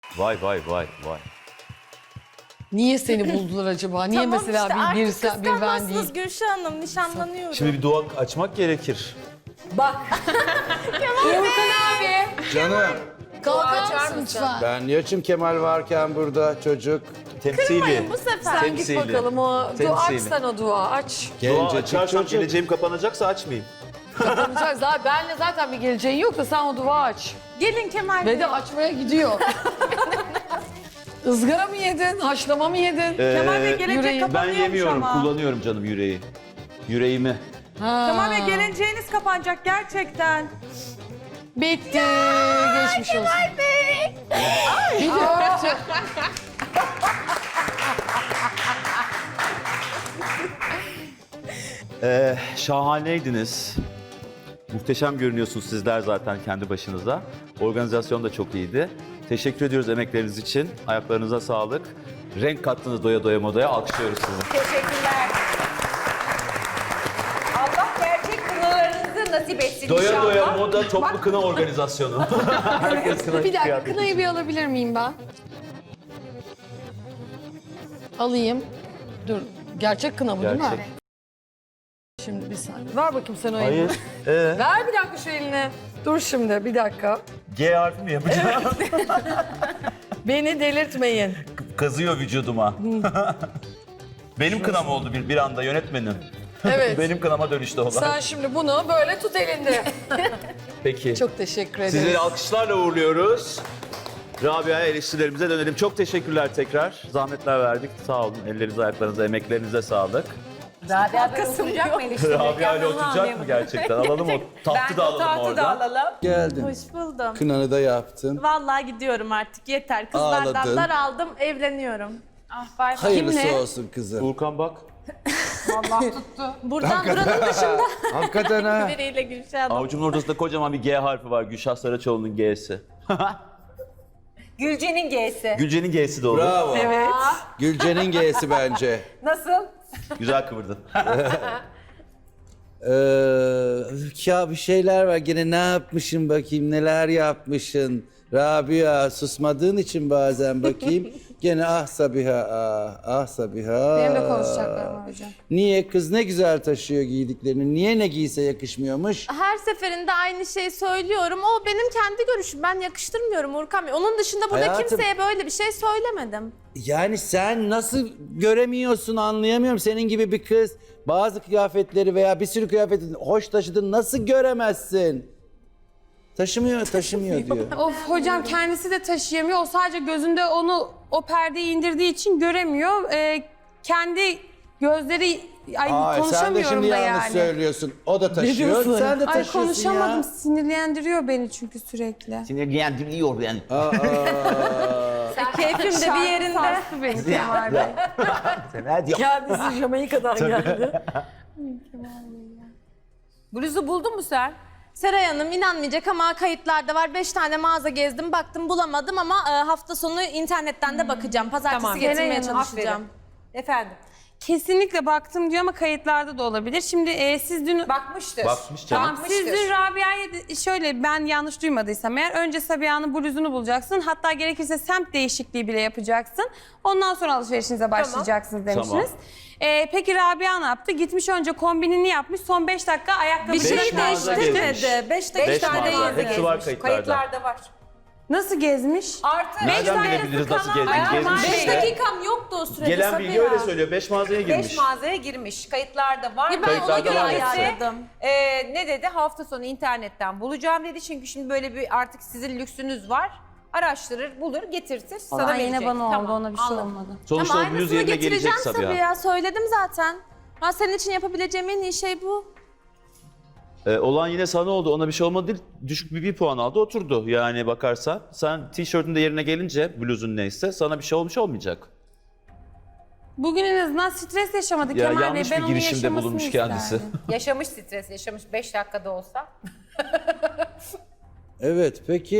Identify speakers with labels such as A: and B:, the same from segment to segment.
A: Vay vay vay vay.
B: Niye seni buldular acaba? Niye
C: Tamam
B: mesela
C: işte
B: bir
C: artık
B: ben değil?
C: kıskanmazsınız Gülşah Hanım, nişanlanıyorum.
A: Şimdi bir dua açmak gerekir.
D: Bak.
E: Canım
B: Kalkar mısın lütfen?
E: ben niye açım Kemal varken burada çocuk
A: Temsili.
C: Bu sefer.
B: Sen git bakalım o. Dua aç sen o dua aç.
A: Dua
E: gencecik
A: açarsam
E: çocuk.
A: geleceğim kapanacaksa açmayayım.
B: Zaten benle zaten bir geleceğin yok da sen o dua aç.
C: Gelin Kemal Bey.
B: Ve de açmaya gidiyor. Izgara mı yedin? Haşlama mı yedin?
D: Kemal Bey gelecek
B: yüreği.
A: Ben
D: kapanıyormuş
A: yemiyorum,
D: ama.
A: kullanıyorum canım yüreği. Yüreğimi.
D: Kemal Bey geleceğiniz kapanacak gerçekten.
B: Bitti. Geçmiş olsun. Kemal Bey. Bir de öptü.
A: Şahaneydiniz. Muhteşem görünüyorsunuz sizler zaten kendi başınıza. Organizasyon da çok iyiydi. Teşekkür ediyoruz emekleriniz için. Ayaklarınıza sağlık. Renk kattınız doya doya modaya. Alkışlıyoruz sizi.
F: Teşekkürler. Allah gerçek kınalarınızı nasip etsin
A: Doya
F: inşallah.
A: doya moda toplu kına organizasyonu. Herkes kına
B: Bir dakika
A: kıyafeti.
B: kınayı bir alabilir miyim ben? Alayım. Dur. Gerçek kına bu değil mi?
A: Gerçek.
B: Şimdi bir saniye. Ver bakayım sen o elini.
A: Hayır.
B: Ver bir dakika şu elini. Dur şimdi bir dakika.
A: G harfi mi yapacağım?
B: Beni delirtmeyin.
A: Kazıyor vücuduma. Benim kınam oldu bir anda yönetmenim.
B: Evet.
A: Benim kınama dönüştü olay.
B: Sen şimdi bunu böyle tut elinde.
A: Peki.
B: Çok teşekkür ederim.
A: Sizleri alkışlarla uğurluyoruz. Rabia'ya eleştirilerimize dönelim. Çok teşekkürler tekrar. Zahmetler verdik. Sağ olun. Ellerinize, ayaklarınıza, emeklerinize sağlık.
F: Rabia böyle oturacak mı eleştirecek?
A: Rabia ile oturacak mı gerçekten? Alalım o tahtı da alalım
F: tahtı da
A: oradan.
F: alalım.
E: Geldin.
C: Hoş buldum.
E: Kınanı da yaptın.
C: Vallahi gidiyorum artık yeter. Kızlardan
E: Ağladın.
C: daraldım, evleniyorum. Ah bay bay.
E: Hayırlısı
B: Kimle?
E: olsun kızım.
A: Urkan bak.
C: Buradan buranın dışında
E: Hakikaten ha.
C: biriyle Gülşah Hanım.
A: Avucumun ortasında kocaman bir G harfi var. Gülşah Saraçoğlu'nun G'si.
F: Gülce'nin G'si.
A: Gülce'nin G'si de olur.
E: Bravo.
B: Evet.
E: Gülce'nin G'si bence.
F: Nasıl?
A: Güzel kıvırdın.
E: Ya bir şeyler var. Gene ne yapmışsın bakayım, neler yapmışsın. Rabia susmadığın için bazen bakayım. Gene ah Sabiha, ah Sabiha.
B: Benim de konuşacaklarım var hocam.
E: Niye kız ne güzel taşıyor giydiklerini? Niye ne giyse yakışmıyormuş?
C: Her seferinde aynı şeyi söylüyorum. O benim kendi görüşüm. Ben yakıştırmıyorum Urkan Bey. Onun dışında burada
E: Hayatım-
C: kimseye böyle bir şey söylemedim.
E: Yani sen nasıl göremiyorsun anlayamıyorum. Senin gibi bir kız bazı kıyafetleri veya bir sürü kıyafeti hoş taşıdığını nasıl göremezsin? Taşımıyor diyor.
G: Of hocam kendisi de taşıyamıyor. O sadece gözünde o perdeyi indirdiği için göremiyor. Kendi gözleri
E: Ay sen de
G: konuşamıyorum
E: şimdi
G: da
E: yanlış
G: yani.
E: söylüyorsun. O da taşıyor,
B: diyorsun?
E: sen de
G: Ay
E: taşıyorsun
G: konuşamadım.
E: ya.
G: Sinirlendiriyor beni çünkü sürekli.
A: Sinirlendiriyor yani.
C: Keyfim de bir yerinde.
G: Sarstı beni Kemal Bey.
B: Kendisi Jamaika'dan geldi.
F: Bluzu buldun mu sen?
C: Seray Hanım inanmayacak ama kayıtlarda var. 5 tane mağaza gezdim, baktım bulamadım ama hafta sonu internetten de bakacağım. Pazartesi getirmeye
G: Seray Hanım,
C: çalışacağım.
F: Efendim.
G: Kesinlikle baktım diyor ama kayıtlarda da olabilir. Şimdi siz dün...
F: Bakmıştır.
A: Bakmış canım.
G: Tamam siz dün Rabia'ya şöyle ben yanlış duymadıysam eğer önce Sabiha'nın bluzunu bulacaksın. Hatta gerekirse semt değişikliği bile yapacaksın. Ondan sonra alışverişinize başlayacaksınız demiştiniz. Peki Rabia ne yaptı? Gitmiş önce kombinini yapmış. Son 5 dakika ayakkabı
C: Bir şey
A: Beş mağaza
C: değiştirmedi.
A: gezmiş.
C: 5
A: Beş
C: dakika
A: mağaza.
C: değil.
A: Hepsi var kayıtlarda.
F: Kayıtlarda var.
G: nasıl gezmiş?
F: Artı
A: Nereden bilebiliriz nasıl gezmiş?
C: 5 dakikam yoktu o sürede
A: Gelen bilgi
C: Sabiha.
A: öyle söylüyor. 5 mağazaya
F: 5
A: girmiş.
F: mağazaya girmiş. Kayıtlarda var.
C: Ya ben ona
A: Kayıtlarda
C: göre
A: var
C: ayarladım.
F: Ne dedi? Hafta sonu internetten bulacağım dedi. Çünkü şimdi böyle bir artık sizin lüksünüz var. Araştırır, bulur, getirtir. Sana
G: Sana yine
F: verecek.
G: bana oldu
F: Tamam,
G: ona bir şey
F: anladım.
G: olmadı.
A: Sonuçta
C: Ama
A: o bluz
C: aynısını
A: yerine gelecek
C: getireceğim
A: Sabiha.
C: Sabiha. Söyledim zaten. Ben senin için yapabileceğim en iyi şey bu.
A: Olan yine sana oldu. Ona bir şey olmadı değil. Düşük bir puan aldı oturdu. Yani bakarsan. Sen tişörtün de yerine gelince bluzun neyse sana bir şey olmuş olmayacak.
G: Bugün en azından stres yaşamadı
A: Ya
G: Kemal Bey.
A: yanlış
G: Ben
A: bir
G: onun
A: girişimde
G: yaşamasını
A: bulunmuş
G: isterdim.
A: kendisi.
F: Yaşamış stres, yaşamış 5 dakikada olsa.
E: Evet peki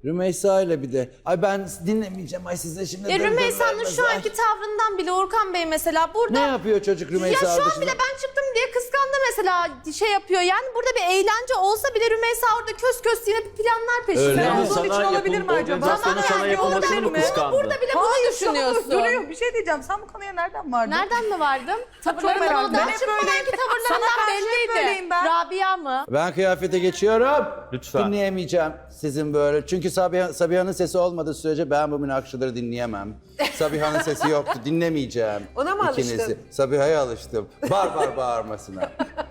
E: Rümeysa ile bir de. Ay ben dinlemeyeceğim. Ay size şimdi.
C: Ya
E: dır dır
C: Rümeysa'nın
E: vermez.
C: şu
E: Ay.
C: anki tavrından bile Orkan Bey mesela burada...
E: Ne yapıyor çocuk Rümeysa
C: Ya şu an
E: dışında?
C: bile ben çıktım diye kıskandı mesela şey yapıyor. Yani burada bir eğlence olsa bile Rümeysa orada kös kös yine bir planlar peşinde.
A: Öyle mi?
D: olduğun için
A: Sana
D: olabilir mi acaba?
A: organizasyonun
C: Ama
A: sana
C: yani
A: yapılmasını
C: olabilir
A: mı
C: mi?
A: kıskandı?
C: Burada bile bunu düşünüyorsun.
D: Duruyor. Bir şey diyeceğim. Sen bu konuya nereden vardın?
C: Nereden mi vardım?
D: merak
C: Tavırlarından
D: ettim.
C: o daha
D: Ben hep
C: çıkmadan
D: böyleyim.
C: ki tavırlarından
D: Sana karşı hep
C: belliydi.
D: böyleyim ben.
C: Rabia mı?
E: Ben kıyafete geçiyorum.
A: Lütfen.
E: Dinleyemeyeceğim sizin böyle. Çünkü Sabiha'nın sesi olmadığı sürece ben bu münakşaları dinleyemem. Sabiha'nın sesi yoktu. Dinlemeyeceğim.
F: Ona mı
E: ikinizi.
F: alıştın?
E: Sabiha'ya alıştım. Bar bağırmasına.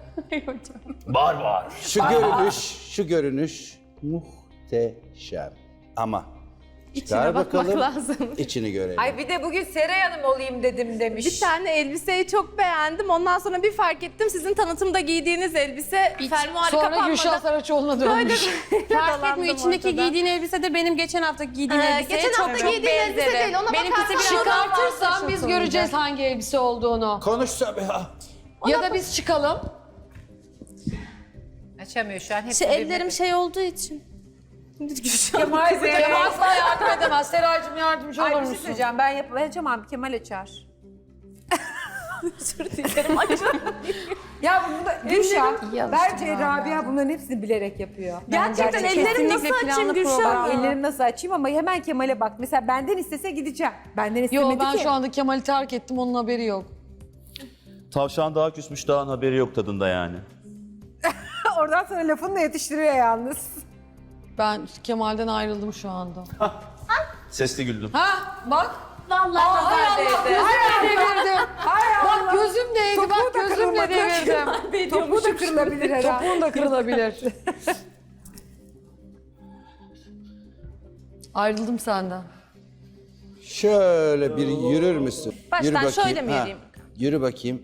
A: Var.
E: Şu görünüş muhteşem. Ama çıkar
C: bakmak
E: bakalım,
C: lazım.
E: içini görelim.
F: Ay bir de bugün Seray Hanım olayım dedim demiş.
C: Bir tane elbiseyi çok beğendim. Ondan sonra bir fark ettim sizin tanıtımda giydiğiniz elbise fermuarı
B: Sonra
C: kapanmadan.
B: Gülşah Saraçoğlu'na dönmüş.
G: Fark etmiyor. İçindeki
C: ortada.
G: giydiğin elbise de benim geçen hafta giydiğim elbiseye
C: geçen
G: çok
C: hafta
G: çok
C: giydiğin elbise
G: benzeri.
C: değil, ona
G: Benimkisi
C: bakarsan
G: biraz daha
B: Çıkartırsan
G: farklı
B: biz
G: çok
B: göreceğiz hangi elbise olduğunu.
E: Konuş Sabiha.
B: Ya da biz çıkalım.
F: Açamıyor şu an. Hep
C: Ellerim şey olduğu için.
F: Kemal
B: Kemal asla yardım edemez. Seraycığım yardımcı
F: Ay
B: olur
F: bir şey
B: musun?
F: söyleyeceğim. Ben açamam. Kemal açar. Ya bu da Gülşah, bence Rabia bunların hepsini bilerek yapıyor.
C: Gerçekten ellerim
G: kesinlikle
C: nasıl açayım
G: planlı
C: Gülşah?
G: program.
F: Ellerimi nasıl açayım ama hemen Kemal'e bak. Mesela benden istese gideceğim. Benden istemedi
B: Yo ben
F: ki.
B: şu anda Kemal'i terk ettim onun haberi yok.
A: Tavşan daha küsmüş, daha haberi yok tadında yani.
F: Oradan sonra lafını da yetiştiriyor yalnız.
B: Ben Kemal'den ayrıldım şu anda.
A: Sesli güldüm.
B: Ha bak.
C: Vallahi nazar değdi.
B: Devirdim. Bak gözüm değdi bak gözümle devirdim.
F: Topu da kırılabilir herhalde.
B: Topuğun da kırılabilir. Ayrıldım senden.
E: Şöyle bir yürür müsün?
C: Baştan
E: Yürü bakayım.
C: şöyle mi
E: Ha,
C: yürüyeyim?
E: Yürü bakayım.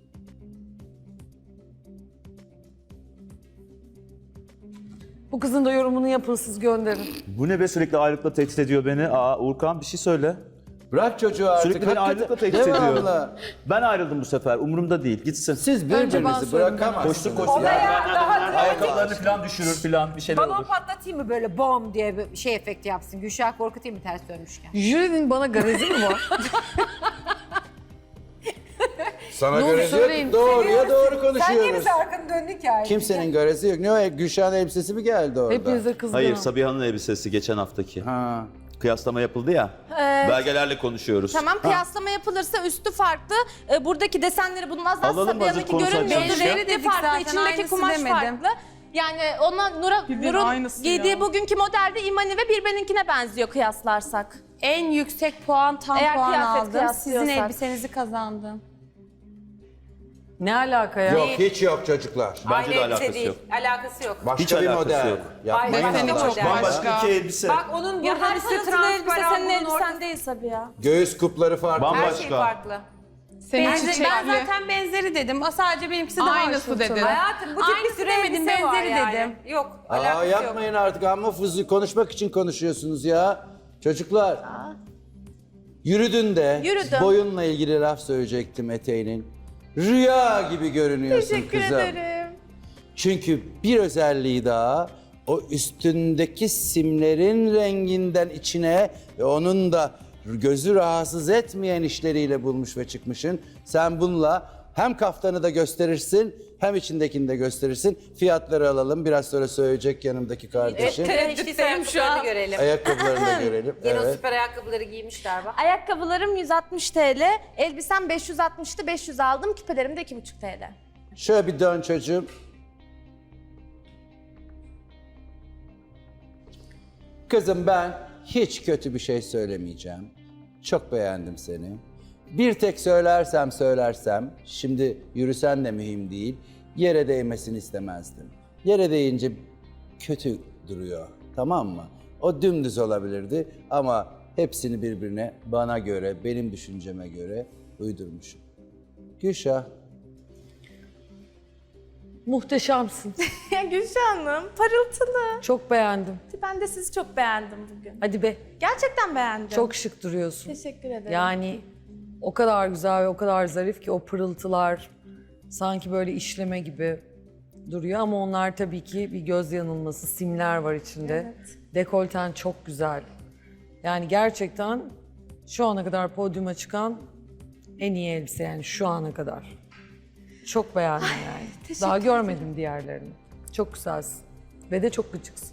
B: Bu kızın da yorumunu yapın siz gönderin.
A: Bu ne be, sürekli ayrılıkla tehdit ediyor beni. Uğurkan bir şey söyle.
E: Bırak çocuğu artık.
A: Sürekli beni
E: hakikaten.
A: ayrılıkla tehdit ediyor.
E: Devamlı.
A: Ben ayrıldım bu sefer. Umurumda değil. Gitsin.
E: Siz
B: Önce ben
E: birbirinizi
B: söyleyeyim,
E: bırakamazsınız.
A: Koşsun.
F: Daha
A: Ayakkabılarını falan düşürür falan bir şeyler
F: Balon
A: olur.
F: patlatayım mı böyle bom diye bir şey efekti yapsın. Gülşah korkutayım mı ters dönmüşken?
B: Jürinin bana garezi mi var?
E: Sana
B: Ne olur
E: görezi
B: söyleyin.
E: yok. Doğruya doğru
F: Sen niye
E: konuşuyoruz.
F: bize arkanı döndün ki ayrıca?
E: Kimsenin görezi yok. Ne o Gülşah'ın elbisesi mi geldi orada?
B: Hepinize kızgınım.
A: Hayır, Sabiha'nın elbisesi geçen haftaki.
E: Ha.
A: Kıyaslama yapıldı ya. Belgelerle konuşuyoruz.
C: Tamam kıyaslama yapılırsa üstü farklı. Buradaki desenleri bulunmaz.
A: Alalım hazır
C: Sabiha'nınki
A: konu
C: görünmüyordu.
A: açılmışken.
C: Rengi
G: Dedik
C: farklı,
G: zaten,
C: içindeki
G: aynısı
C: kumaş
G: demedim.
C: farklı. Yani ona Nur'un giydiği bugünkü modelde İmani ve birbirininkine benziyor kıyaslarsak.
G: En yüksek puan tam
C: Eğer
G: puan
C: kıyafet
G: aldım. Sizin
C: kıyaslıyorsak.
G: elbisenizi kazandım.
B: Ne alaka ya?
E: Yok hiç yok çocuklar.
A: Bence
F: Aynı
A: de
F: elbise
A: alakası
F: değil.
A: yok.
F: Alakası yok.
E: Başka
A: Hiç
E: bir
A: alakası
E: model.
A: yok.
E: Yapmayın
F: Ay,
E: Allah
F: çok
E: aşkına.
A: Bambaşka iki elbise.
F: Bak onun
C: Ya
F: buradan
C: her
F: üstü
C: pırıltılı elbise
F: transparan,
C: senin
F: bunun ortası.
C: elbisen değil Sabiha.
E: Göğüs kupları farklı.
A: Bambaşka.
F: Her şey farklı.
G: Ben zaten benzeri dedim. O sadece benimkisi daha
B: Aynısı dedin.
F: Hayatım bu tip bir
G: Aynısı
F: sürü
G: demedim,
F: elbise var
G: benzeri
F: yani.
G: dedim.
F: Yok,
E: Aa,
F: alakası yok.
E: yapmayın artık amma fızı konuşmak için konuşuyorsunuz ya. Çocuklar. Yürüdün de
C: Yürüdüm.
E: boyunla ilgili laf söyleyecektim eteğinin. Rüya gibi görünüyorsun
C: Teşekkür
E: kızım.
C: ederim.
E: Çünkü bir özelliği daha o üstündeki simlerin renginden içine ve onun da gözü rahatsız etmeyen işleriyle bulmuş ve çıkmışsın. Sen bununla hem kaftanı da gösterirsin hem içindekini de gösterirsin. Fiyatları alalım. Biraz sonra söyleyecek yanımdaki kardeşim.
F: Tereddütteyim ayakkabılarını görelim.
E: Ayakkabılarını da görelim.
F: Yine o
E: Evet.
F: süper ayakkabıları giymişler bak.
C: Ayakkabılarım 160 TL, elbisem 560'tı, 500 aldım, küpelerim de 2,5 TL.
E: Şöyle bir dön çocuğum. Kızım ben hiç kötü bir şey söylemeyeceğim. Çok beğendim seni. Bir tek söylersem, şimdi yürüsen de mühim değil, yere değmesini istemezdim. Yere değince kötü duruyor, tamam mı? O dümdüz olabilirdi ama hepsini birbirine bana göre, benim düşünceme göre uydurmuşum. Gülşah.
B: Muhteşemsin.
C: Ya Gülşah Hanım, parıltılı.
B: Çok beğendim.
C: Ben de sizi çok beğendim bugün.
B: Hadi be.
C: Gerçekten beğendim.
B: Çok şık duruyorsun.
C: teşekkür ederim.
B: Yani o kadar güzel ve o kadar zarif ki o pırıltılar sanki böyle işleme gibi duruyor ama onlar tabii ki bir göz yanılması, simler var içinde. Dekolten çok güzel. Yani gerçekten şu ana kadar podyuma çıkan en iyi elbise yani şu ana kadar. Çok beğendim yani. Daha görmedim diğerlerini. Çok güzelsin. Ve de çok gıcıksın.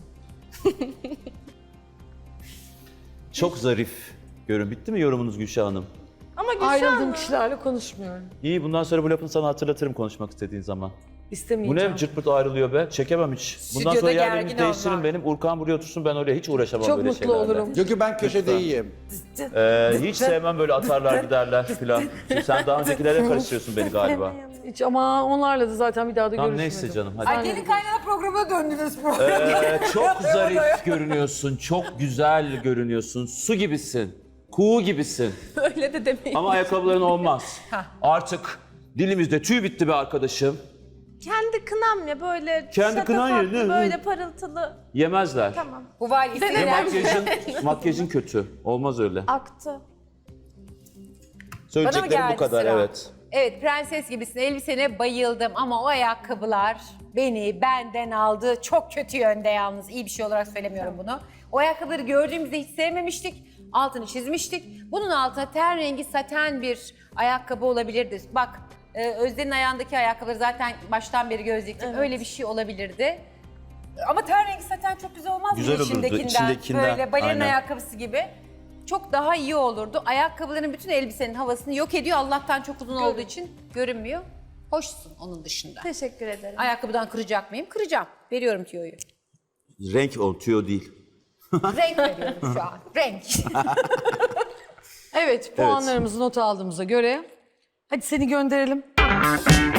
A: Çok zarif görün. Bitti mi yorumunuz Gülşah Hanım?
C: Ama Gülşah
B: Ayrıldığım
C: Hanım.
B: kişilerle konuşmuyorum.
A: İyi, bundan sonra bu lafını sana hatırlatırım konuşmak istediğin zaman. Bu
B: İstemeyeceğim.
A: ne cırt pırt ayrılıyor be? Çekemem hiç. Bundan
F: Stüdyoda
A: sonra
F: gergin
A: yerlerimizi değiştirin
F: onlar.
A: benim. Urkan buraya otursun, ben oraya hiç uğraşamam
B: Çok
A: böyle
B: mutlu
A: şeylerle.
B: olurum.
E: Çünkü ben köşede iyiyim.
A: Hiç sevmem böyle atarlar giderler filan. Şimdi sen daha öncekilere karıştırıyorsun beni galiba.
B: Hiç ama onlarla da zaten bir daha da
A: Tamam
B: görüşmedim.
A: neyse canım hadi.
F: Ay gelin kaynana programına döndünüz bu.
A: Çok zarif görünüyorsun, çok güzel görünüyorsun. Su gibisin, kuğu gibisin.
C: Öyle de demeyin.
A: Ama ayakkabıların olmaz. Artık dilimizde tüy bitti be arkadaşım.
C: Kendi kınam ya böyle
A: Kendi kınan ya,
C: şatafatlı,
A: ne?
C: böyle parıltılı.
A: Yemezler.
C: Tamam.
F: Bu valisi
A: Ve makyajın kötü. Olmaz öyle.
C: Aktı.
A: Söyleyeceklerim
F: geldi
A: bu kadar
F: sıra?
A: evet.
F: Evet prenses gibisin, elbisene bayıldım ama o ayakkabılar beni benden aldı. Çok kötü yönde yalnız, iyi bir şey olarak söylemiyorum bunu. O ayakkabıları gördüğümüzde hiç sevmemiştik, altını çizmiştik. Bunun altına ten rengi saten bir ayakkabı olabilirdi. Bak Özden'in ayağındaki ayakkabıları zaten baştan beri gözlüktim, öyle bir şey olabilirdi. Ama ten rengi saten çok güzel olmaz mı
A: Güzel olurdu, içindekinden.
F: Böyle balerin
A: Aynen.
F: ayakkabısı gibi. Çok daha iyi olurdu. Ayakkabıların bütün elbisenin havasını yok ediyor. Allah'tan çok uzun olduğu için görünmüyor. Hoşsun onun dışında.
C: Teşekkür ederim.
F: Ayakkabıdan kıracak mıyım? Kıracağım. Veriyorum tüyoyu.
A: Renk o, tüyo değil.
F: Renk veriyorum şu an. Renk.
B: Evet, puanlarımızı not aldığımıza göre hadi seni gönderelim.